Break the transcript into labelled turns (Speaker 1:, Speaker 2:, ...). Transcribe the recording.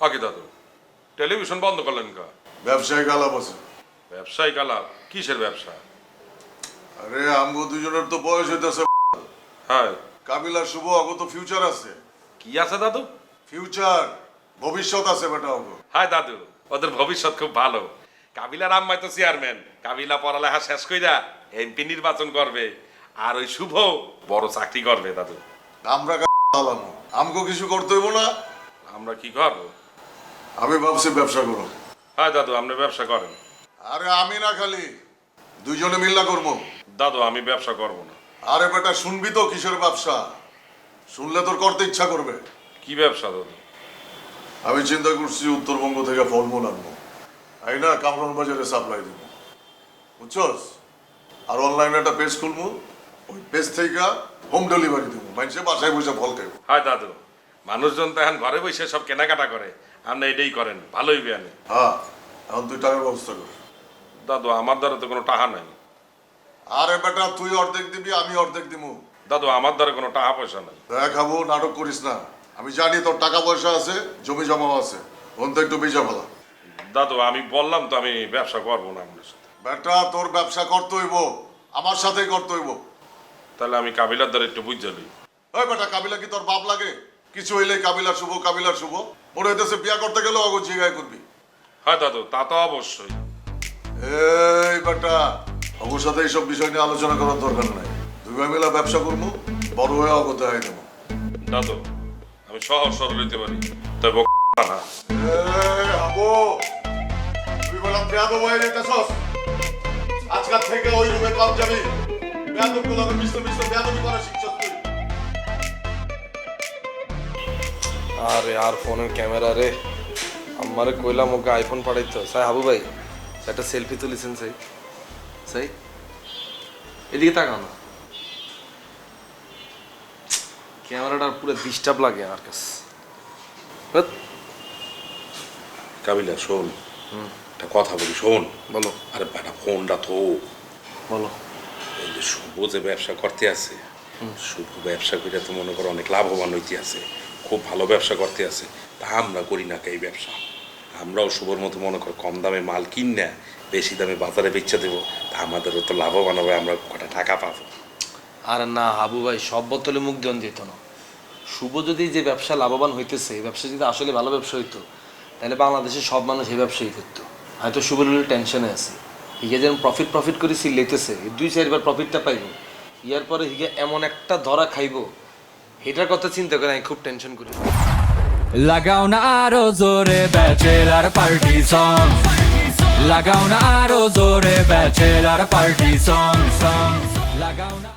Speaker 1: আগে দাদু টেলিভিশন বন্ধ করলেন কা?
Speaker 2: ব্যবসায়িক আলাপ আছে।
Speaker 1: ব্যবসায়িক আলাপ? কিসের ব্যবসা?
Speaker 2: আরে আমগো দুজনের তো বয়স হইতেছে।
Speaker 1: হ্যাঁ,
Speaker 2: কাবিলা শুভ আগত ফিউচার আছে।
Speaker 1: কি আছে দাদু?
Speaker 2: ফিউচার, ভবিষ্যৎ আছে বেটা আগো।
Speaker 1: হায় দাদু, ওদের ভবিষ্যৎ খুব ভালো। কাবিলার আম্মাই তো চেয়ারম্যান, কাবিলা পড়ালেখা শেষ কইরা এমপি নির্বাচন করবে, আর ওই শুভ বড় চাকরি করবে দাদু।
Speaker 2: আমরা হালামো, আমগো কিছু করতে হইব না।
Speaker 1: আমরা কি করবো?
Speaker 2: আমি ভাবছি ব্যবসা করো।
Speaker 1: হ্যাঁ দাদু, আপনি ব্যবসা করেন।
Speaker 2: আরে আমি না, খালি দুইজনে মিল্লা করবো।
Speaker 1: দাদু আমি ব্যবসা করব না।
Speaker 2: আরে বেটা শুনবি তো কিসের ব্যবসা, শুনলে তোর করতে ইচ্ছা করবে।
Speaker 1: কি ব্যবসা দাদু?
Speaker 2: আমি চিন্তা করছি উত্তরবঙ্গ থেকে ফলমূল আনবো, এই না কামরান বাজারে সাপ্লাই দিব, বুঝছস? আর অনলাইনে একটা পেজ খুলবো, ওই পেজ থেকে হোম ডেলিভারি দেবো, মানুষে বাসায় বসে ফল খাইবো।
Speaker 1: হায় দাদু, মানুষজন তো এখন ঘরে বসে সব কেনাকাটা করে, আপনি এটাই করেন, ভালোই বিয়ানে।
Speaker 2: হ্যাঁ, এখন তুই টাকার ব্যবস্থা কর।
Speaker 1: দাদু আমার দ্বারা তো কোনো টাকা নাই।
Speaker 2: আরে বেটা তুই অর্ধেক দিবি, আমি অর্ধেক দিব।
Speaker 1: দাদু আমার দ্বারা কোনো টাকা পয়সা নাই।
Speaker 2: দেখাবো, নাটক করিস না। আমি জানি তোর টাকা পয়সা আছে, জমি জমাও আছে, ওন তো একটু বেচা ফেলা।
Speaker 1: দাদু আমি বললাম তো আমি ব্যবসা করবো না আপনার সাথে।
Speaker 2: বেটা তোর ব্যবসা করতে হইব, আমার সাথেই করতে হইব।
Speaker 1: তাহলে আমি কাবিলার দ্বারা একটু বুঝে নিই।
Speaker 2: ওই বেটা কাবিলা কি তোর বাপ লাগে? কিছু হইলে কাবিলা শুভ, কাবিলা শুভ। মনে হইতেছে বিয়া করতে গেলেও অগো জিগায় করবি।
Speaker 1: হ্যাঁ দাদু তা তো অবশ্যই।
Speaker 2: এই বেটা, অগোর সাথে এইসব বিষয় নিয়ে আলোচনা করার দরকার নাই। দুই ভাই মিলা ব্যবসা করবো, বড় হয়ে অগতে হয়ে দেবো।
Speaker 1: দাদু আমি সহজ সরল হইতে পারি, তবে না।
Speaker 2: হাবো, তুই বললাম বেয়াদব হয়ে যেতেছস। আজকাল থেকে ওই রুমে কম যাবি। বেয়াদব গুলো মিশ্র মিশ্র বেয়াদবি করা শিখছস তুই।
Speaker 3: আরে আর ফোনের ক্যামেরা রে, আমারে কইলাম ওকে আইফোন পাঠাইতো। সাই হাবু ভাই একটা সেলফি তুলিছেন সাই? সাই এদিকে তাকাও না, ক্যামেরাটা পুরো ডিস্টার্ব লাগে আমার কাছে।
Speaker 1: কাবিলা শোন, একটা কথা বলি শোন।
Speaker 3: বলো।
Speaker 1: আরে বেটা ফোনটা তো
Speaker 3: বলো।
Speaker 1: এই যে শুভ যে ব্যবসা করতে আছে, শুভ ব্যবসা করে তো মনে করো অনেক লাভবান হইতে আছে, খুব ভালো ব্যবসা করতে আছে। তা আমরা করি না এই ব্যবসা? আমরাও শুভর মতো মনে করো কম দামে মাল কিন না বেশি দামে বাজারে বেচে দেবো, তা আমাদেরও তো লাভবান হবে, আমরা কটা টাকা পাবো।
Speaker 3: আরে না হাবু ভাই, সব বোতলে মুখ দেন যেত না। শুভ যদি যে ব্যবসা লাভবান হইতেছে, এই ব্যবসা যদি আসলে ভালো ব্যবসা হইতো, তাহলে বাংলাদেশের সব মানুষ এই ব্যবসায়ী করতো। হয়তো শুভর টেনশনে আছে, হিগে যেন প্রফিট করে সিলেইতেছে, 2-4 বার প্রফিটটা পাইব, ইয়ার পরে হিগে এমন একটা ধরা খাইব, এটার কথা চিন্তা করে আমি খুব টেনশন করি।
Speaker 4: লাগাও না আরো জোরে ব্যাচেলার পার্টি সং, লাগাও না আরো জোরে ব্যাচেলার পার্টি সং, লাগাও না।